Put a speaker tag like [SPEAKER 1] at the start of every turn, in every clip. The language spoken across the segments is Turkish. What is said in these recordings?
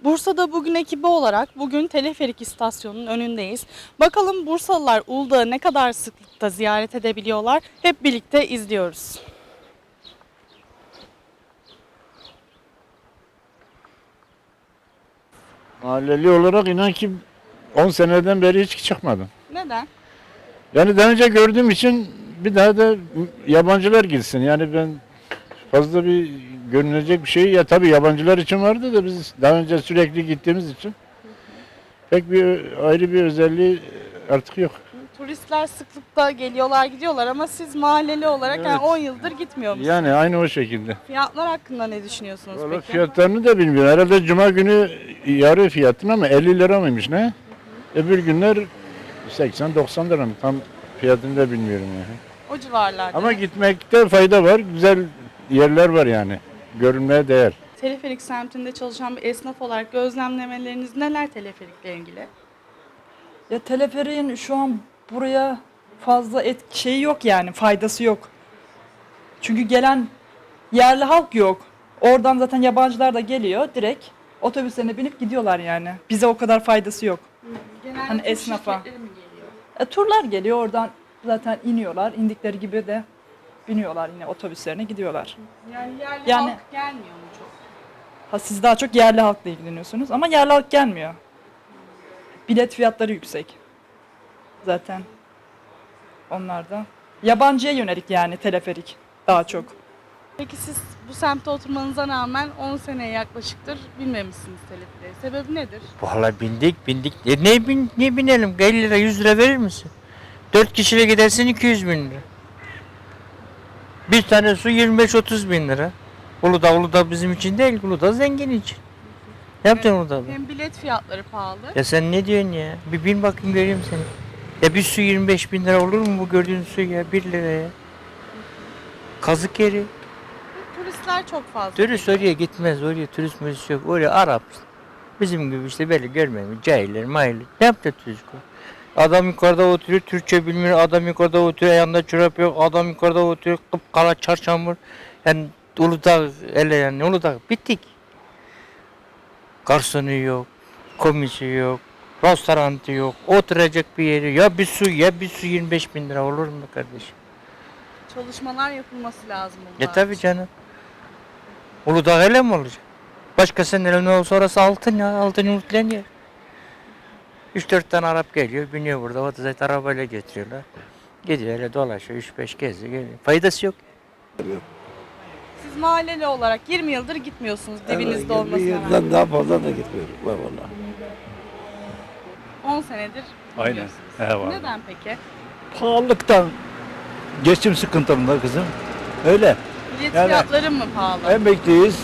[SPEAKER 1] Bursa'da bugün ekibi olarak bugün teleferik istasyonunun önündeyiz. Bakalım Bursalılar Uludağ'ı ne kadar sıklıkta ziyaret edebiliyorlar? Hep birlikte izliyoruz.
[SPEAKER 2] Mahalleli olarak inan ki 10 seneden beri hiç çıkmadım.
[SPEAKER 1] Neden?
[SPEAKER 2] Yani daha önce gördüğüm için bir daha da yabancılar gitsin. Yani ben fazla bir görünecek bir şey ya tabii yabancılar için vardı da biz daha önce sürekli gittiğimiz için pek bir ayrı bir özelliği artık yok.
[SPEAKER 1] Turistler sıklıkta geliyorlar gidiyorlar ama siz mahalleli olarak yani
[SPEAKER 2] Evet.
[SPEAKER 1] 10 yıldır gitmiyor musunuz?
[SPEAKER 2] Yani aynı o şekilde.
[SPEAKER 1] Fiyatlar hakkında ne düşünüyorsunuz
[SPEAKER 2] Vallahi
[SPEAKER 1] peki?
[SPEAKER 2] fiyatlarını da bilmiyorum. Herhalde cuma günü yarı fiyatını ama 50 lira mıymış ne? Öbür günler 80-90 lira mı? Tam fiyatını da bilmiyorum yani.
[SPEAKER 1] O civarlarda.
[SPEAKER 2] Ama gitmekte fayda var. Güzel yerler var yani. Görülmeye değer.
[SPEAKER 1] Teleferik semtinde çalışan bir esnaf olarak gözlemlemeleriniz neler teleferikle ilgili?
[SPEAKER 3] Ya teleferiğin şu an buraya fazla şeyi yok yani faydası yok. Çünkü gelen yerli halk yok. Oradan zaten yabancılar da geliyor direkt otobüslerine binip gidiyorlar yani. Bize o kadar faydası yok.
[SPEAKER 1] Genelde
[SPEAKER 3] Hani
[SPEAKER 1] tur
[SPEAKER 3] esnafa.
[SPEAKER 1] şirketleri mi geliyor?
[SPEAKER 3] Turlar geliyor oradan zaten iniyorlar. İndikleri gibi de biniyorlar yine otobüslerine gidiyorlar.
[SPEAKER 1] Yani halk gelmiyor mu çok?
[SPEAKER 3] Ha, siz daha çok yerli halkla ilgileniyorsunuz ama yerli halk gelmiyor. Bilet fiyatları yüksek. Zaten onlar da. Yabancıya yönelik yani teleferik daha çok.
[SPEAKER 1] Peki siz bu semtte oturmanıza rağmen 10 seneye yaklaşıktır bilmemişsiniz teleferiği. Sebebi nedir?
[SPEAKER 4] Vallahi bindik. Ne binelim? 50 lira 100 lira verir misin? 4 kişiyle gidersin 200 bin lira. Bir tane su 25-30 bin lira. Uludağ bizim için değil, Uludağ zengin için. Ne yapacaksın Uludağ'da?
[SPEAKER 1] Hem bilet fiyatları pahalı.
[SPEAKER 4] Ya sen ne diyorsun ya? Bir bin bakayım göreyim seni. Ya bir su 25 bin lira olur mu bu gördüğün su ya 1 liraya? Kazık yeri.
[SPEAKER 1] Turistler çok fazla.
[SPEAKER 4] Turist oraya gitmez, oraya turist yok. Oraya Arap. Bizim gibi işte böyle görmemiş, cahiller, mahiller. Ne yapacak çocuk o? Adam yukarıda oturuyor, Türkçe bilmiyor. Adam yukarıda oturuyor, ayağında çorap yok. Adam yukarıda oturuyor, kıpkara çarşambur. Yani Uludağ, hele yani Uludağ bittik. Garsonu yok, komisi yok, restoranı yok, oturacak bir yeri. Ya bir su 25 bin lira olur mu kardeşim?
[SPEAKER 1] Çalışmalar yapılması lazım.
[SPEAKER 4] Tabii canım. Uludağ öyle mi olacak? Başkasının elinde olsa orası altın ya, altın yumurtlayan yer. 3-4 tane Arap geliyor, biniyor burada, o da zaten arabayla getiriyorlar. Gidiyor öyle dolaşıyor, 3-5 geziyor, geliyor. Faydası yok.
[SPEAKER 1] Siz mahalleli olarak 20 yıldır gitmiyorsunuz dibinizde olmasına
[SPEAKER 5] Bir
[SPEAKER 1] rağmen.
[SPEAKER 5] yıldan daha fazla da gitmiyorum ben valla.
[SPEAKER 1] 10 senedir
[SPEAKER 6] Aynen.
[SPEAKER 1] gitmiyorsunuz.
[SPEAKER 6] He var.
[SPEAKER 1] Neden peki?
[SPEAKER 6] Pahalılıktan, geçim sıkıntımda kızım. Öyle.
[SPEAKER 1] Bilet
[SPEAKER 6] Yani-
[SPEAKER 1] fiyatları mı pahalı?
[SPEAKER 6] Emekliyiz.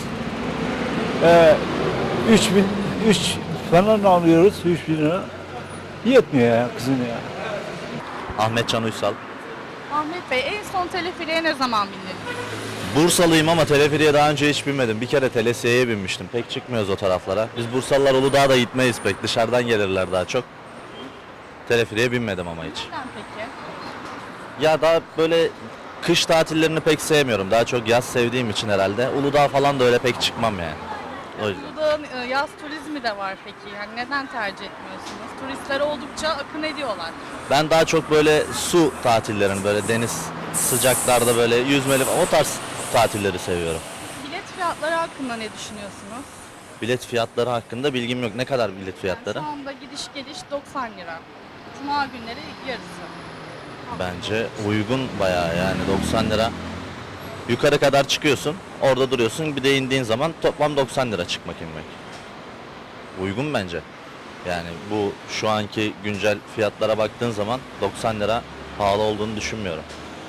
[SPEAKER 6] 3 falan alıyoruz, 3 bin lira. Yetmiyor ya kızım ya.
[SPEAKER 7] Ahmet Can Uysal.
[SPEAKER 1] Ahmet Bey en son teleferiğe ne zaman bindiniz?
[SPEAKER 7] Bursalıyım ama teleferiye daha önce hiç binmedim. Bir kere telesiyeye binmiştim. Pek çıkmıyoruz o taraflara. Biz Bursalılar Uludağ'a da gitmeyiz pek. Dışarıdan gelirler daha çok. Teleferiye binmedim ama hiç.
[SPEAKER 1] Neden peki?
[SPEAKER 7] Ya daha böyle kış tatillerini pek sevmiyorum. Daha çok yaz sevdiğim için herhalde. Uludağ falan da öyle pek çıkmam yani. O yüzden.
[SPEAKER 1] Uludağ'ın yaz turizmi de var peki. Yani neden tercih etmiyorsunuz? Turistler oldukça akın ediyorlar.
[SPEAKER 7] Ben daha çok böyle su tatillerini böyle deniz sıcaklarda böyle yüzmeli o tarz tatilleri seviyorum.
[SPEAKER 1] Bilet fiyatları hakkında ne düşünüyorsunuz?
[SPEAKER 7] Bilet fiyatları hakkında bilgim yok. Ne kadar bilet fiyatları?
[SPEAKER 1] Yani şu anda gidiş geliş 90 lira. Cuma günleri yarısı.
[SPEAKER 7] Bence uygun bayağı yani 90 lira. Yukarı kadar çıkıyorsun, orada duruyorsun. Bir de indiğin zaman toplam 90 lira çıkmak inmek. Uygun bence. Yani bu şu anki güncel fiyatlara baktığın zaman 90 lira pahalı olduğunu düşünmüyorum.